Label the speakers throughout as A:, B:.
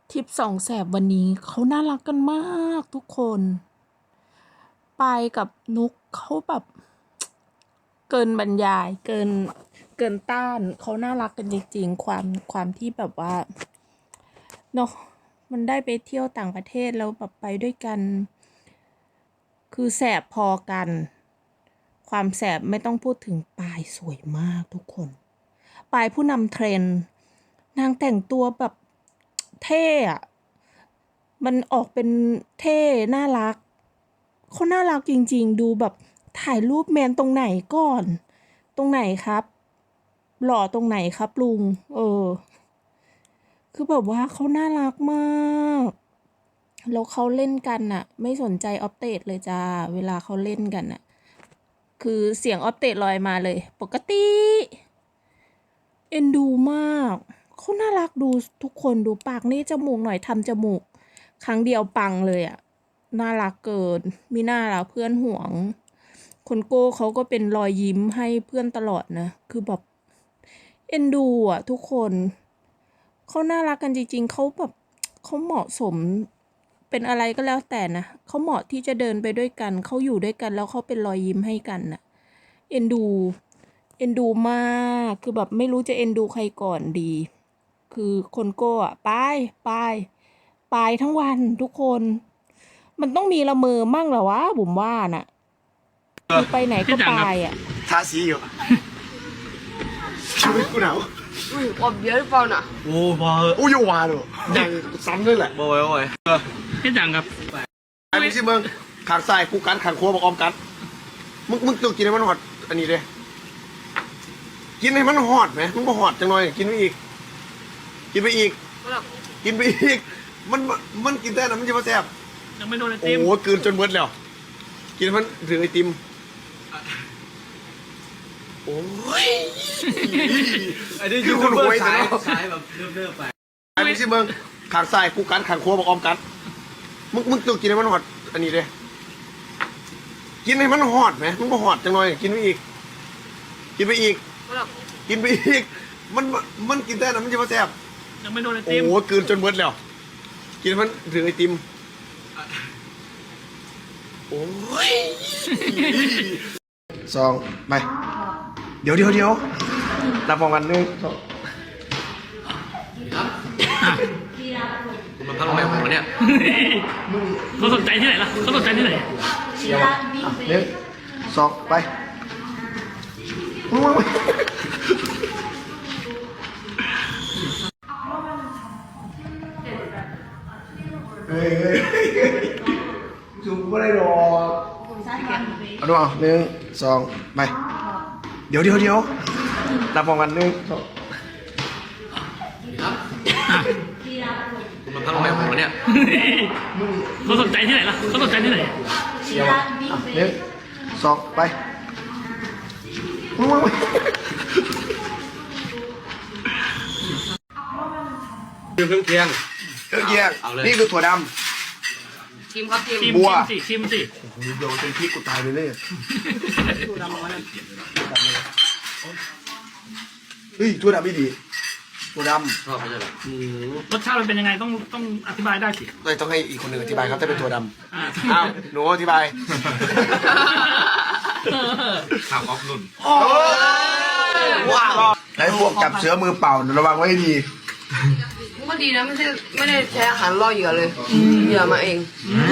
A: ทริปสองแสบวันนี้เขาน่ารักกันมากทุกคนปายกับนุกเขาแบบเกินบรรยายเกินต้านเขาน่ารักกันจริงๆความที่แบบว่าเนาะมันได้ไปเที่ยวต่างประเทศแล้วแบบไปด้วยกันคือแสบพอกันความแสบไม่ต้องพูดถึงปายสวยมากทุกคนปายผู้นำเทรนด์นางแต่งตัวแบบเท่อะมันออกเป็นเท่น่ารักเขาน่ารักจริงๆดูแบบถ่ายรูปแมนตรงไหนก่อนตรงไหนครับหล่อตรงไหนครับลุงคือแบบว่าเขาน่ารักมากแล้วเขาเล่นกันน่ะไม่สนใจออฟเตดเลยจ้าเวลาเขาเล่นกันน่ะคือเสียงออฟเตดลอยมาเลยปกติเอ็นดูมากเขาน่ารักดูทุกคนดูปากนี่จมูกหน่อยทำจมูกครั้งเดียวปังเลยอ่ะน่ารักเกินมีหน้าละเพื่อนห่วงคนโก้เขาก็เป็นรอยยิ้มให้เพื่อนตลอดนะคือแบบเอ็นดูอ่ะทุกคนเขาน่ารักกันจริงๆเขาแบบเขาเหมาะสมเป็นอะไรก็แล้วแต่นะเขาเหมาะที่จะเดินไปด้วยกันเขาอยู่ด้วยกันแล้วเขาเป็นรอยยิ้มให้กันน่ะเอ็นดูมากคือแบบไม่รู้จะเอ็นดูใครก่อนดีคือคนโก้อะไปทั้งวันทุกคนมันต้องมีละเมอมั่งเหรอวะบุ๋มว่าน่ะคือไปไหนก็ไปอ่ะ
B: ทาสีอยู่ชีวิตกูหนาว
C: 我别的包呢？
B: โอ้มาโอ้ยว่าเลยอย่างซ้ำด้วยแหละ
D: โอ้ยพี่จังครับ
B: ไอ้พี่สิมึงขางซ้ายกูกันขางขวาบอกออมกันมึงต้องกินให้มันหอดอันนี้เลยกินให้มันหอดไหมมึงก็หอดจังหน่อยกินไปอีกกินไปอีกมันกินได้นะมันจะมาแซ่บ
D: ยังไม่โดนไอติม
B: โอ้กลืนจนเบิดแล้วกินมันถึงไอติมโอ้ย
D: ไอ้นี่ยูทูบเบอร์สายแบบเริ่มไป
B: ไอ้พี่สิมึงขางซ้ายกูกันขางขวาบอกออมกันมึงต้องกินให้มันหอดอันนี้เลยกินให้มันหอดไหมมึงก็หอดจังหน่อยกินไปอีกมันกินได้นะมันจะมาแซ่บ
D: ยังไม่โดนไอติม
B: โอ้กลืนจนเบิดแล้วกินมันถึงไอติมโอ้ยสองไปเดี๋ยวรับพร้อมกัน1 2
D: มันพังแม่ผมเนี่ยเขาสนใจที่ไหนล่ะเขาสนใจที่ไหน
B: 1 2ไปเฮ้ยจุกไม่ได้หรอกเอาดูเอา1 2ไปเดี๋ยวรับพร้อมกัน1 2
D: มันพังแม่ผมเนี่ยเขาสนใจที่ไหนล่ะเขาสนใจที่ไหน
B: 1 2ไป
D: เครื่องเคียง
B: นี่คือถั่วดำ
C: ทีมครับทีม
B: บัว
D: ชิมสิ
B: โยนเป็นพริกกูตายไปเลยเฮ้ยถั่วดำไม่ดีถั่วดำ
D: ชอบไม่ใช่หรอรสชาติมันเป็นยังไงต้องอธิบายได้สิ
B: ต้องให้อีกคนหนึ่งอธิบายครับถ้าเป็นถั่วดำอ้าวหนูอธิบาย
D: ข่าวออฟนุ่น
B: ว้าวไอ้พวกจับเสือมือเปล่าระวังไว้ให้ดี
C: ก็ดีนะไม่ได้ใช้อาหารล่อเหยื่อเลยเหยื่อมาเอง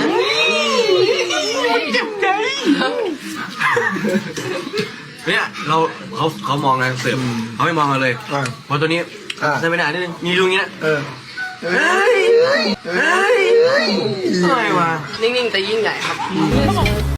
D: เจ็บใจเนี่ยเขามองนะเสิร์ฟเขาไม่มองเราเลยพอตัวนี้ใช่ไม่ได้นิดนึงมีลุงเงี้ย
C: เฮ้ยอะไรวะนิ่งๆแต่ยิ่งใหญ่ครับ